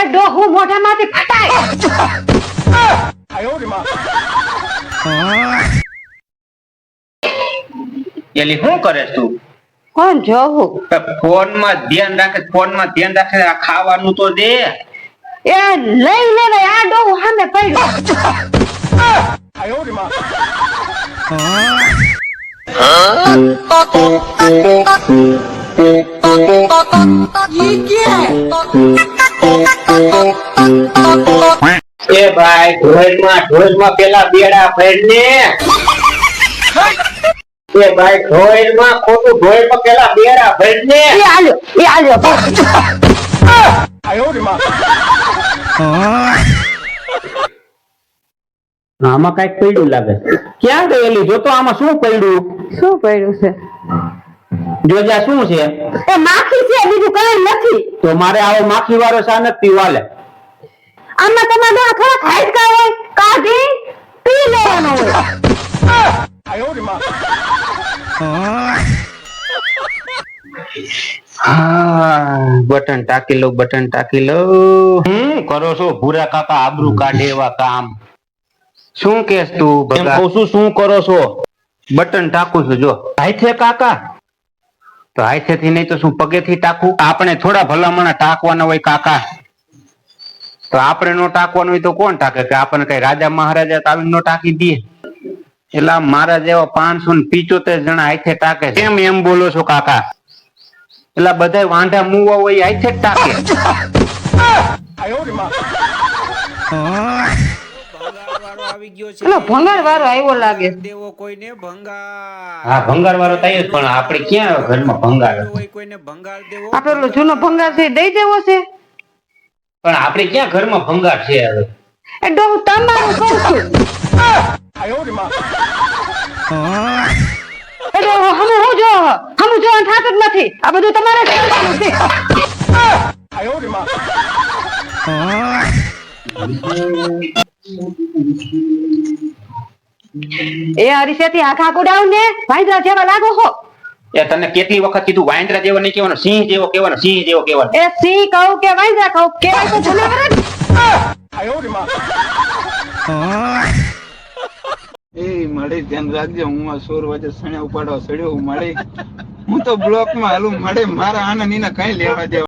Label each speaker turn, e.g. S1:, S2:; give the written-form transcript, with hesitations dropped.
S1: ડોહુ મોઢામાંથી ફટાય
S2: એલી શું કરે તું?
S1: કોણ જોવું?
S2: ફોન માં ધ્યાન રાખે આ ખાવાનું તો દે.
S1: એ લઈ લે આ ડોહુ સામે પડ્યો.
S2: એ ભાઈ ઢોલમાં પેલા બેડા ફેર ને. એ ભાઈ ઢોલમાં પેલા બેડા ફેર ને.
S1: એ આલ્યો
S2: આમાં કઈક પડ્યું લાગે. ક્યાં ગયેલી જોતો આમાં શું પડ્યું?
S1: શું પડ્યું છે?
S2: જોજા શું છે?
S1: એ માખી છે, બીજું કઈ નથી.
S2: તો મારે આવો માખી વાળો ચા નથી પીવાલે.
S1: આમાં તમારે થોડા ખાઈટકા હોય, કાઢી પી લેવાનો હોય.
S2: બટન ટાકી લો. કરો છો ભૂરા કાકા આબરૂ કાઢે એવા કામ? શું કેસ તું ભગા? શું કરો છો? બટન ટાકું છું જો. હાથે કાકા? તો હાથેથી નહીં તો શું પગેથી ટાકું? આપણે થોડા ભલામણા ટાકવાના હોય કાકા. તો આપણે નો ટાકવાનું હોય તો કોણ ટાકે? કે આપણને કઈ રાજા મહારાજા આવીને નો ટાકી દે? એટલે મારા જેવા 575 જણા હાથે ટાકે. કેમ એમ બોલો છો કાકા? એટલે બધા વાંઢા મુવા હોય હાથે જ ટાકે.
S1: ભંગાર વાળો આવ્યો લાગે.
S3: દેવો કોઈને ભંગાર.
S2: હા ભંગાર વાળો થાય જ, પણ આપણે ક્યાં ઘરમાં ભંગાર?
S3: કોઈને ભંગાર દેવો.
S1: આપડે જૂનો ભંગાર છે દઈ દેવો છે.
S2: પણ આપણે ક્યાં ઘરમાં ભંગાર છે હવે?
S1: એ ડોહુ તમારું કહું છું. એ ડોહુ હમું જો થાતું જ નથી. આ બધું તમારે જ કરવાનું છે. એ હરીસેથી આખા કુડાવ ને વાંદરા જેવા લાગો હો.
S2: એ તને કેટલી વખત કીધું વાંદરા જેવો નહીં કહેવાનો, સિંહ જેવો કહેવાનો.
S1: એ સિંહ કહું કે વાંદરા કહું, કેવાય તો જનાવર જ.
S4: એ મળે ધ્યાન રાખજો. હું આ 16 વાગે સણ્યા ઉપાડવા સડ્યો. મળે હું તો બ્લોક માં હાલું. મળે મારા આનંદ કઈ લેવા દેવા.